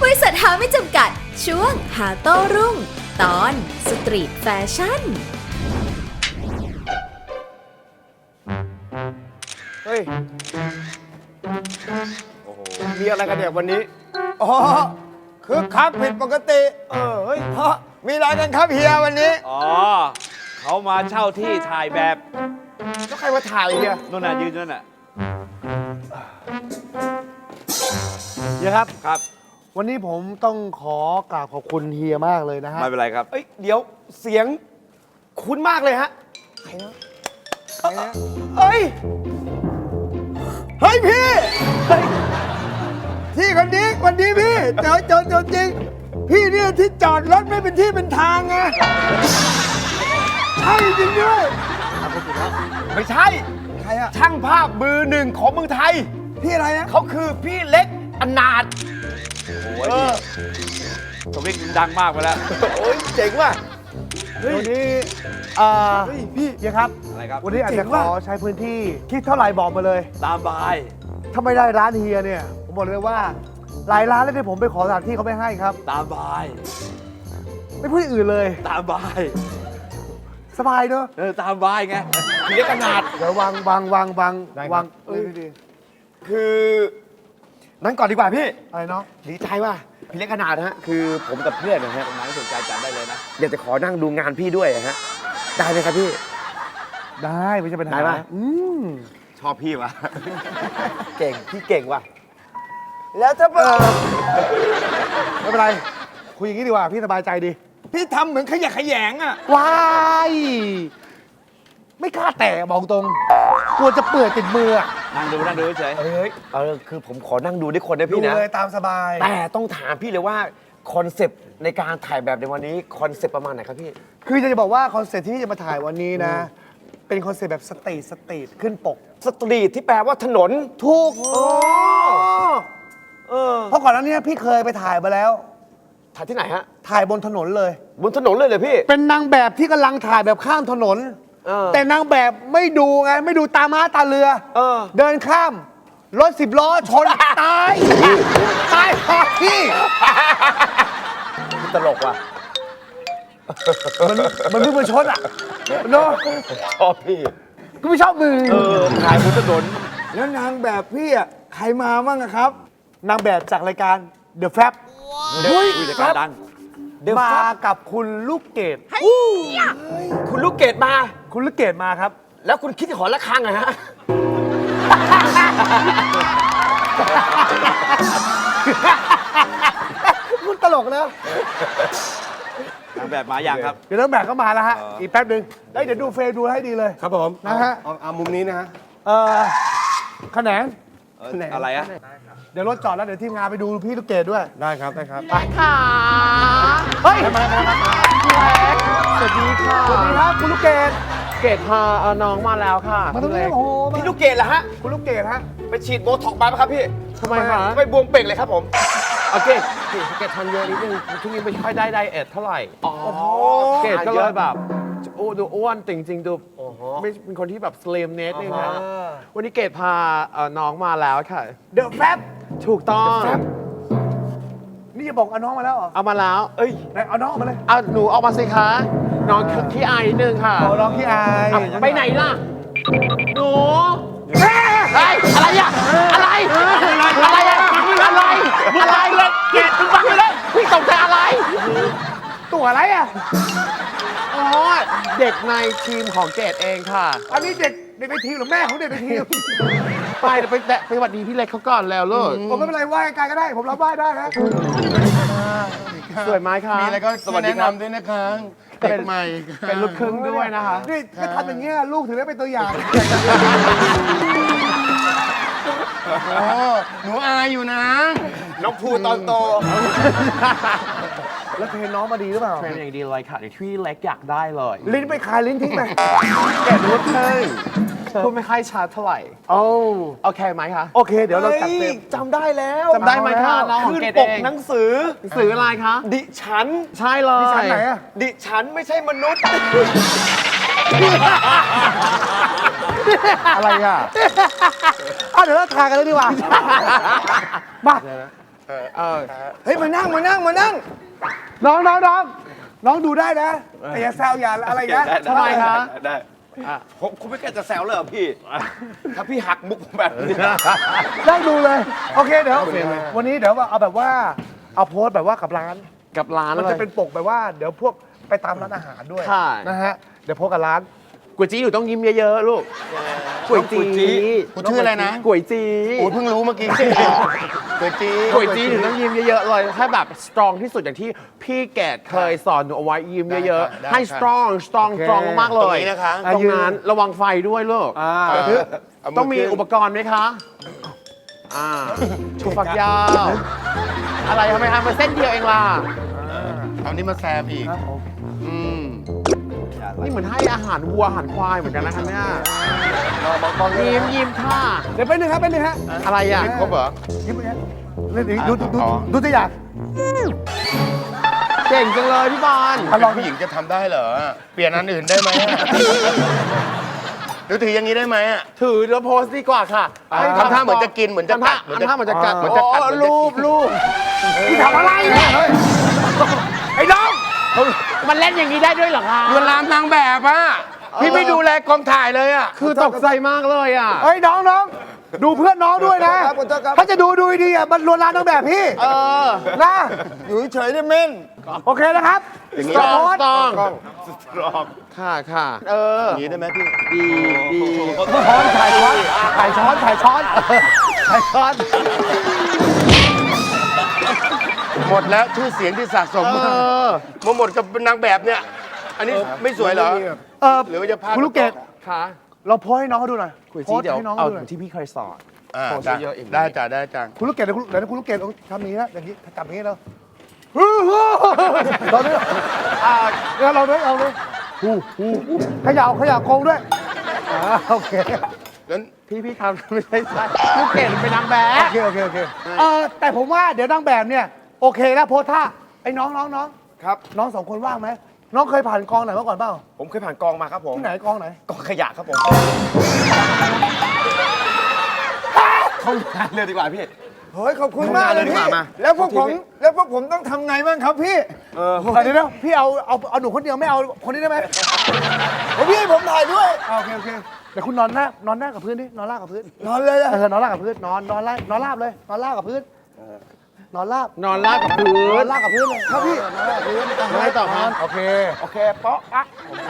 บริษัทหาไม่จำกัดช่วงหาโต้รุ่งตอนสตรีทแฟชั่นเฮ้ยโอ้โหมีอะไรกันเนี่ยวันนี้อ๋อคือคักผิดปกติเฮ้ยมีอะไรกันครับเฮียวันนี้อ๋อเขามาเช่าที่ถ่ายแบบแล้วใครมาถ่ายเฮียนู่นน่ะยืนนั่นน่ะเฮียครับครับวันนี้ผมต้องขอกราบขอบคุณเฮียมากเลยนะฮะไม่เป็นไรครับเอ้ยเดี๋ยวเสียงคุ้นมากเลยฮะใครนะเฮ้ยพี่ที่คนนี้วันนี้พี่เจอจริงพี่เนี่ยที่จอดรถไม่เป็นที่เป็นทางไงใช่จริงด้วยไม่ใช่ใครอะช่างภาพมือหนึ่งของเมืองไทยพี่อะไรนะเขาคือพี่เล็กอนาถโอ้ยสวิกดังมากไปแล้วโอ้ยเจ๋งว่ะวันนี้พี่เฮียครับอะไรครับวันนี้อาจเจ๋จะงขว่ะอใช้พื้นที่คิดเท่าไหร่บอกมาเลยตามบายถ้าไม่ได้ร้านเฮียเนี่ยผมบอกเลยว่าหลายร้านแล้วที่ผมไปขอสถานที่เขาไม่ให้ครับตามบายไม่พูดอย่างอื่นเลยตามบายสบายเนอะตามบายไงพี่เล็กอนาถเดี๋ยววางคือนั้นก่อนดีกว่าพี่อะไรเนาะดีใจว่ะพี่เล็กอนาถฮะคือผมกับเพื่อนนะฮะตรงไหนสนใจจัดได้เลยนะอยากจะขอนั่งดูงานพี่ด้วยฮะได้ไหมครับพี่ได้ไม่ใช่ปัญหาได้ปะมชอบพี่วะ เก่งพี่เก่งว่ะแล้วถ้าไม่เป็นไรคุยอย่างนี้ดีกว่าพี่สบายใจดีพี่ทำเหมือนขยะแขยงอ่ะว้ายไม่กล้าแตะบอกตรงกลัวจะเปื่อยติดมืออะนั่งดูเฉยเอ้ยคือผมขอนั่งดูด้วยคนนะดูพี่นะเลยตามสบายแต่ต้องถามพี่เลยว่าคอนเซปต์ในการถ่ายแบบในวันนี้คอนเซปต์ประมาณไหนครับพี่คือจะบอกว่าคอนเซ็ปต์ที่พี่จะมาถ่ายวันนี้นะ เป็นคอนเซ็ปต์แบบสตรีทขึ้นปกสตรีทที่แปลว่าถนนถูกเออเพราะก่อนหน้านี้พี่เคยไปถ่ายมาแล้วถ่ายที่ไหนฮะถ่ายบนถนนเลยบนถนนเลยเลยพี่เป็นนางแบบที่กำลังถ่ายแบบข้ามถนน แต่นางแบบไม่ดูไงไม่ดูตาม้าตาเรือ เดินข้ามรถ10 ล้อชน ตายตายคาที่ตลกว่ะมันเพิ่งมาชนอ่ะเนาะชอบพี่ก็ไม่ชอบมือถ่ายบนถนนแล้วนางแบบพี่อ่ะใครมาบ้างอะครับ นางแบบจากรายการ The Fab อุ้ยรายการดังมากับคุณลูกเกดคุณลูกเกดมาคุณลูกเกดมาครับแล้วคุณคิดจะขอละครั้งเหรอฮะคุณตลกนะนางแบบมาอย่างครับเดี๋ยวนางแบบก็มาแล้วฮะ อีกแป๊บหนึ่งได้เดี๋ยวดูเฟซดูให้ดีเลยครับผมนะฮะเอามุมนี้นะฮะแขนงอะไรอะเดี๋ยวรถจอดแล้วเดี๋ยวทีมงานไปดูพี่ลูกเกดด้วยได้ครับได้ครับค่ะเฮ้ยสวัสดีค่ะสวัสดีครับคุณลูกเกดเกดพาน้องมาแล้วค่ะมาตรงนี้โอ้โหพี่ลูกเกดเหรอฮะคุณลูกเกดฮะไปฉีดโบท็อกซ์มาไหมครับพี่ทำไมคะทำไมบวมเป่งเลยครับผมเอาเกดทานเยอะนิดนึงช่วงนี้ไม่ค่อยได้ไดเอทเท่าไหร่อ๋อเกดก็เลยแบบดูอ้วนจริงๆดูไม่เป็นคนที่แบบสลิมเนสนึงนะวันนี้เกดพาน้องมาแล้วค่ะเดอะแฟบถูกต้องนี่จะบอกเอาน้องมาแล้วเหรอเอามาแล้วเอ้ยไหนเอาน้องออกมาเลยเอาหนูออกมาสิคะน้องขี้อายนิดนึงค่ะเอาน้องที่อายเอาไปไหนล่ะหนูเฮ้ยอะไรอะอะไรอะไรอะอะไรเลยเกดมึงฟังไปเลยพี่ตกใจอะไรตัวอะไรอ่ะอ๋อเด็กในทีมของเกดเองค่ะอันนี้เด็กในทีมหรือแม่ของเด็กในทีมไปหวัดดีพี่เล็กเขาก่อนแล้วลูกผมไม่เป็นไรไหว้ไกลก็ได้ ผมรับไหว้ได้นะสวยไหมคะมีอะไรก็ช่วยแนะนำด้วยนะคะเด็กใหม่ค่ะเป็นลูกครึ่งด้วยนะคะนี่ถ้าทำอย่างเงี้ยลูกถึงได้เป็นตัวอย่างโอ้หนูอายอยู่นะน้องภูตอนโตแล้วเทรนน้องมาดีหรือเปล่าเทรนอย่างดีเลยค่ะเดี๋ยวพี่เล็กอยากได้เลยลิ้นไปคายลิ้นทิ้งไปเกดลูกครึ่งพูดไม่ค่อยชัดเท่าไหร่โอ้โอเคไหมคะโอเค เดี๋ยวเราจัดเต็มจำได้แล้วจำได้ไหมคะน้องของขึ้นเกดปเอก งหนังสือหนังสืออะไรคะดิฉันใช่เลยดิฉันไหนอะดิฉันไม่ใช่มนุษย์อะไรอ่ะเดี๋ยวเราทายกันเลยดีกว่า มาเฮ้ยมานั่งน้องดูได้นะแต่อย่าแซวอย่าอะไรนะทำไมคะได้ผมไม่แกล้จะแซวเลยเหรอพี่ ถ้าพี่หักมุกผมแบบนี้นั่งดูเลย โอเคเดี๋ยววันนี้เดี๋ยวเอาแบบว่าเอาโพสต์แบบว่ากับร้านกับร้านมันเลจะยเป็นปกแบบว่าเดี๋ยวพวกไปตามร้านอาหารด้วยค่ะนะฮะเดี๋ยวโพสต์กับร้านก๋วยจี้อยู่ต้องยิ้มเยอะๆลูกก๋วยจี้กูชื่ออะไรนะก๋วยจี้โอ้เพิ่งรู้เมื่อกี้เกิดจีก๋วยจี้ถึงต้องยิ้มเยอะๆเลยให้แบบสตรองที่สุดอย่างที่พี่แกดเคยสอนหนูเอาไว้ยิ้มเยอะๆให้สตรองมากๆเลตรงยนี้นะคะตรงนั้นระวังไฟด้วยลูก ต้องมีอุปกรณ์ไหมคะชูฝักยาว อะไรทำไมทำมาเส้นเดียวเองล่ะเอานี้มาแซมอีกนี่เหมือนให้อาหารวัวอาหารควายเหมือนกันนะคะเนี่ยยิ้มค่ะเดี๋ยวไปหนึ่งครับไปหนึ่งฮะอะไรอ่ะครบเหรอยิ้มไปฮะดูตัวอย่างเก่งจังเลยพี่บอลถ้าลองผู้หญิงจะทำได้เหรอ เปลี่ยนอันอื่นได้ไหมหรือถืออย่างนี้ได้ไหมอ่ะถือแล้วโพสต์ดีกว่าค่ะทำท่าเหมือนจะกินเหมือนจะกัดทำท่าเหมือนจะกัดเหมือนจะกัดอ๋อรูปพี่ทำอะไรเนี่ยเฮ้ยไอ้น้องมันเล่นอย่างนี้ได้ด้วยเหรอคะลวนลามนางแบบอ่ะ พี่ไม่ดูแลกองถ่ายเลยอ่ะคือตกใจมากเลยอ่ะเฮ้ยน้องดูเพื่อนน้องด้วยนะถ้าจะดูดีอ่ะมันลวนลามนางแบบพี่ นะอยู่เฉยๆเนี่ยเม่นโอเคนะครับอย่างนี้สองโพสต์ต้องรอบค่ะอย่างนี้ได้ไหมพี่ดีช้อนถ่ายช้อนหมดแล้วชื่อเสียงที่สะสมมาหมดกับนางแบบเนี่ย อันนี้ไม่สวยเหรอ หรือว่าจะพลาดคุณลูกเกดค่ะเราโพสต์ให้น้องเขาดูหน่อยคุยโพจีสต์เดี๋ยวให้น้องเอาเขาดูหน่อยที่พี่เคยสอนอ่าโพสต์ได้เยอะๆอย่างนี้ได้จ้ะได้จ้ะคุณลูกเกดเดี๋ยวคุณลูกเกดทำอย่างนี้นะอย่างนี้จับอย่างนี้แล้วเราด้วยเราด้วยขย่าโกงด้วยโอเคงั้นพี่ทำไม่ใช่ลูกเกดเป็นนางแบบโอเคแต่ผมว่าเดี๋ยวนางแบบเนี่ยโอเคแล้วโพสท่าไอ้น้องครับน้องสองคนว่างไหมน้องเคยผ่านกองไหนมาก่อนเปล่าผมเคยผ่านกองมาครับผมที่ไหนกองไหนกองขยะครับผมเข้างานเลยดีกว่าพี่ เฮ้ยขอบคุณมากเลยพี่ แล้วพวกผมต้องทำไงบ้างครับพี่เดี๋ยวพี่เอาหนูคนเดียวไม่เอาคนนี้ได้ไหมพี่ผมถ่ายด้วยโอเคเดี๋ยวคุณนอนหน้ากับพื้นดินอนราบกับพื้นนอนเลยอะนอนราบกับพื้นนอนราบเลยนอนราบกับพื้นนอนราบนอนลาบกับพื้นอนนราบกับพื้นเลยครับพี่นอนราบกับพื้นไม่ต่อครับโอเคเปาะอะ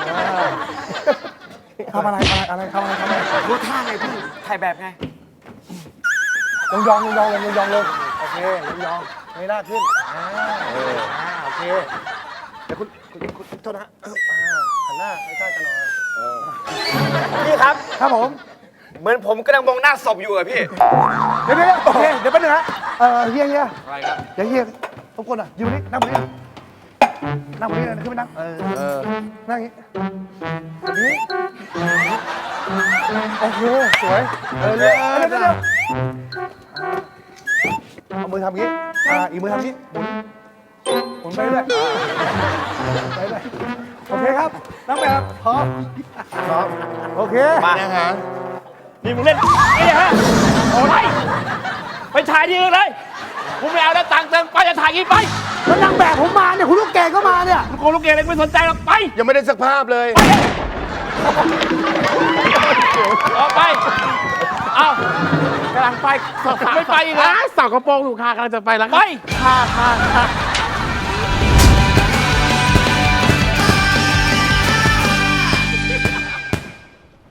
ทำอะไรรู้ท่าไงพี่ ถ่ายแบบไงยองเลยโอเคยองไม่น่าขึ้นโอเคเดี๋ยวคุณโทษนะหันหน้าให้ใกล้กันหน่อยพี่ครับครับผมเหมือนผมกำลังมองหน้าศพอยู่อะพี่เดี๋ยวโอเคเดี๋ยวแป๊บนึงนะเฮียอะไรครับเดี๋ยวเฮียทุกคนอ่ะอยู่นี่นั่งบนนี้นะขึ้นไปนั่งนั่งอย่างนี้โอเคสวยเร็วเอามือทำอย่างนี้อีกมือทำอย่างนี้หมุนไปเรื่อยโอเคครับนั่งแบบพร้อมโอเคมานะฮะนี่มึงเล่นนี่ฮะโอ้ยไปถ่ายที่อื่นเลยกูไม่เอาแล้วตังค์เติมไปจะถ่ายกี่ไปแล้วนางแบบผมมาเนี่ยคุณลูกแกก็มาเนี่ยลูกโกลูกเกอะไรไม่สนใจหรอกไปยังไม่ได้สักภาพเลยออกไป เอากำลังไปไม่ไปอีกเหรอสาวกระโปรงถูกค่ะกำลังจะไปแล้วไปค่ะ